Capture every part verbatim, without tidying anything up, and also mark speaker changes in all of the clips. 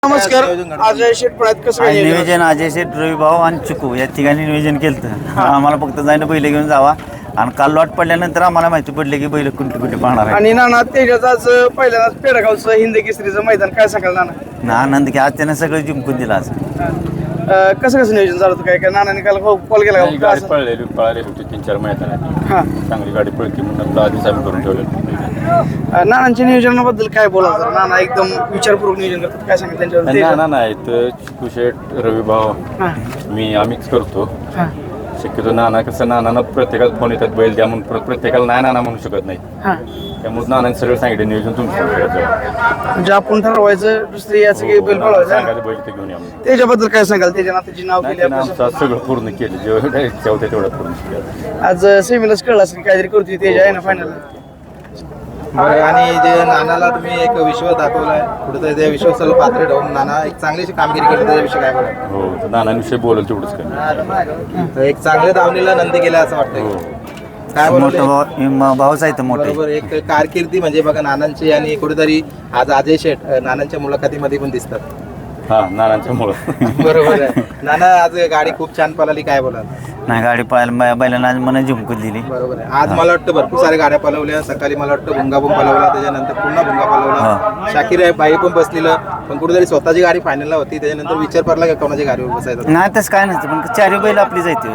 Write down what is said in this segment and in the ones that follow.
Speaker 1: नमस्कार. अजय शेठ पळ्यात कसं काय नियोजन?
Speaker 2: नियोजन अजय शेठ, रवी भाऊ आणि चिकू या ठिकाणी नियोजन केलं. आम्हाला फक्त जायला बैल घेऊन जावा आणि काल लॉट पडल्यानंतर आम्हाला माहिती पडले की बैल कुठे कुठे पाहणार आहे.
Speaker 1: आणि नाना तेजाचं आज पहिल्यांदाच पेडगावचं हिंद केसरीचं मैदान काय सांगाल नाना?
Speaker 2: ना आनंद की आज त्यानं सगळं जिंकून दिलं. आज
Speaker 1: अं, कसं कसं नियोजन झालं होतं? काय काय नानाने काल कॉल केला
Speaker 3: नाही,
Speaker 1: का?
Speaker 3: गाडी पळलेली पळालेली होती तीन चार मैदानात.
Speaker 1: हां.
Speaker 3: चांगली गाडी पळती म्हणून आपलं आधीच आम्ही करून ठेवलं.
Speaker 1: अं, नानांच्या नियोजनाबद्दल काय बोला तर नाना एकदम विचारपूर्वक नियोजन करतात. काय सांगाल त्यांच्यावर?
Speaker 3: ना ना नाही तर चिकू शेठ, रवी भाऊ,
Speaker 1: हां
Speaker 3: मी आम्हीच करतो
Speaker 1: हां
Speaker 3: शक्यतो. नाना कसं नानांना प्रत्येकाला फोन येतात बैल द्या म्हणून, प्र- प्रत्येकाला नाही नाना म्हणू शकत नाही.
Speaker 1: हां.
Speaker 3: त्यामुळे नानांनी सगळं सांगितलं नियोजन तुमचं करायचं.
Speaker 1: म्हणजे आपण ठरवायचं दुसरी याचं काही बैल पळवायचं.
Speaker 3: सांगायचं बैल ते घेऊन या म्हणून.
Speaker 1: त्याच्याबद्दल काय सांगाल? त्याच्या नात्याची नाव
Speaker 3: नाही,
Speaker 1: केली
Speaker 3: त्यानं
Speaker 1: आपण.
Speaker 3: आमचं आज सगळं पूर्ण केलं. जेवढं इच्छा होते तेवढं पूर्ण केलं.
Speaker 1: आज सेमीलाच कळलं असेल काहीतरी करतोय तेजा आहे ना फायनल.
Speaker 4: बरं. आणि जे नानाला तुम्ही एक विश्व दाखवलाय कुठेतरी त्या विश्वासाला पात्र ठेवून नाना एक चांगलीशी कामगिरी केली त्याच्याविषयी काय बोला?
Speaker 3: हो तर नानांविषयी बोलेल तेवढंच काय.
Speaker 4: तर एक चांगल्या दावणीला नंदी गेला असं वाटतंय.
Speaker 3: हो.
Speaker 4: काय
Speaker 2: मोठं
Speaker 4: बोलतो
Speaker 2: भाऊ म- भाऊच आहे तर मोठे.
Speaker 4: बरोबर. एक कारकिर्दी म्हणजे बघा नानांची आणि कुठेतरी आज अजय शेठ नानांच्या मुलाखतीमध्ये पण दिसतात.
Speaker 3: हा नानांच्या मुळे
Speaker 4: बरोबर आहे. नाना आज गाडी खूप छान पळाली, काय बोलाल?
Speaker 2: नाही गाडी पळायला बै- बैलांना आज मन जिंकून दिली.
Speaker 4: बरोबर आहे. आज मला वाटतं भरपूर साऱ्या गाड्या पळवल्या. सकाळी मला वाटतं भुंगा पण पळवला, त्याच्यानंतर पुन्हा भुंगा पळवला. शाकीर आहे बाई पण बसलेलं, पण कुठेतरी स्वतःची गाडी फायनलला होती. त्याच्यानंतर विचार पडला का कोणाची गाडीवर बसायचा.
Speaker 2: नाही तसं काय नसतं पण चारी बैल आपली जायते.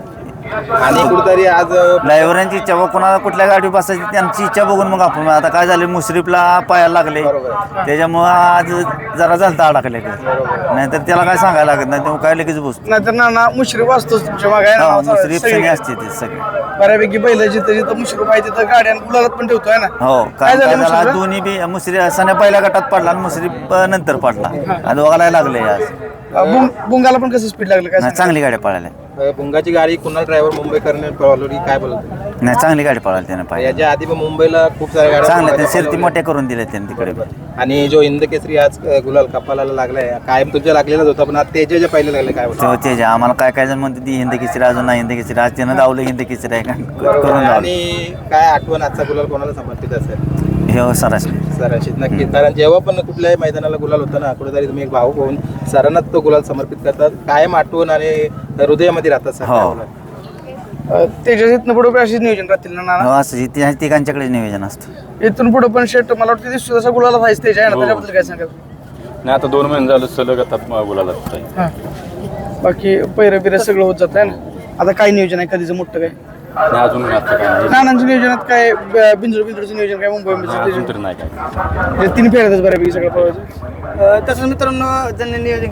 Speaker 4: आणि कुठेतरी आज
Speaker 2: ड्रायव्हरांची इच्छा व कोणाला कुठल्या गाडीवर बसायची त्यांची इच्छा बघून मग आपण आता काय झालं मुश्रीफला पायाला लागले त्याच्यामुळं आज जरा झालता अडकले. नाहीतर त्याला काय सांगायला लागत नाही, तेव्हा काय लगेच बसतो.
Speaker 1: नाहीतर नाना मुश्रीफ असतोच तुमच्या मागे आहे ना.
Speaker 2: मुश्रीफ
Speaker 1: सगळी-
Speaker 2: सगळे असते ते सगळे.
Speaker 1: बऱ्यापैकी बैल जिथं जिथं मुश्रीफ आहे तिथं गाड्या गुलालात पण ठेवतोय ना.
Speaker 2: हो
Speaker 1: काय
Speaker 2: काय
Speaker 1: झालं
Speaker 2: झालं
Speaker 1: मुश्रीफला?
Speaker 2: दोन्ही बी मुश्री सण्या पहिल्या गटात पडला आणि मुश्रीफ नंतर पडला. आज बघायला लागले आज.
Speaker 1: अं, बुंग- बुंगाला पण कसं स्पीड लागलं काय
Speaker 2: नाही
Speaker 1: सांगाल?
Speaker 2: चांगली गाडी पळाली.
Speaker 4: भुंगाची गाडी कुणाल ड्रायव्हर मुंबईकरने पळवली, काय बोलतो?
Speaker 2: नाही चांगली गाडी पळाली त्यानं पाहिजे.
Speaker 4: याच्या आधी पण मुंबईला खूप साऱ्या गाड्या
Speaker 2: चांगल्या त्या
Speaker 4: भुंगाच्या
Speaker 2: शिर्ती
Speaker 4: पळवल्या.
Speaker 2: मोठ्या करून दिल्या त्यांनी तिकडे.
Speaker 4: आणि जो हिंद केसरी आज अ, गुलाल कपालाला लागलाय, कायम तुझ्या लागलेलाच होता, पण आज तेजाच्या पहिले लागले, काय बोलतो?
Speaker 2: तेव्हा त्याच्या आम्हाला काय काय जण म्हणते ती हिंद किचरी अजून नाही हिंद किचरी. आज त्यानं दावलं हिंद किचरी आहे का करून लावलं.
Speaker 4: आणि काय आठवण आजचा गुलाल कोणाला समर्पित असेल?
Speaker 2: हे हो सरासरी.
Speaker 4: सरांशीच नक्की. कारण जेव्हा पण कुठल्याही मैदानाला गुलाल होता ना, कुठेतरी तुम्ही एक भाऊ होऊन सरांनाच तो गुलाल समर्पित करतात. कायम आठवण आणि हृदयामध्ये राहतात सर.
Speaker 2: हो.
Speaker 4: काय बोलाल?
Speaker 1: अं, त्याच्या इथनं पुढे अशीच नियोजन राहतील ना नाना.
Speaker 2: हो असं इथे तिघांच्याकडे नियोजन असतं.
Speaker 1: इथून पुढे पण शेट मला वाटतं दिसतो तसा गुलाला व्हायचं त्याच्या आहे ना.
Speaker 3: हो.
Speaker 1: त्याच्याबद्दल काय सांगाल?
Speaker 3: नाही आता दोन महिने झालं सलग आता बोलायला
Speaker 1: हां. बाकी पैरं बिरं सगळं होत जात आहे ना. आता काय नियोजन आहे कधीचं मोठं काय?
Speaker 3: नाही अजून आता काय नाही.
Speaker 1: नानांच्या नियोजनात काय ब- बिंजोड बिंजोडचं नियोजन काय मुंबई
Speaker 3: अजून तरी नाही काय.
Speaker 1: तीन फेऱ्यातच बऱ्यापैकी सगळं पळवायचं. तसंच मित्रांनो ज्यांनी नियोजन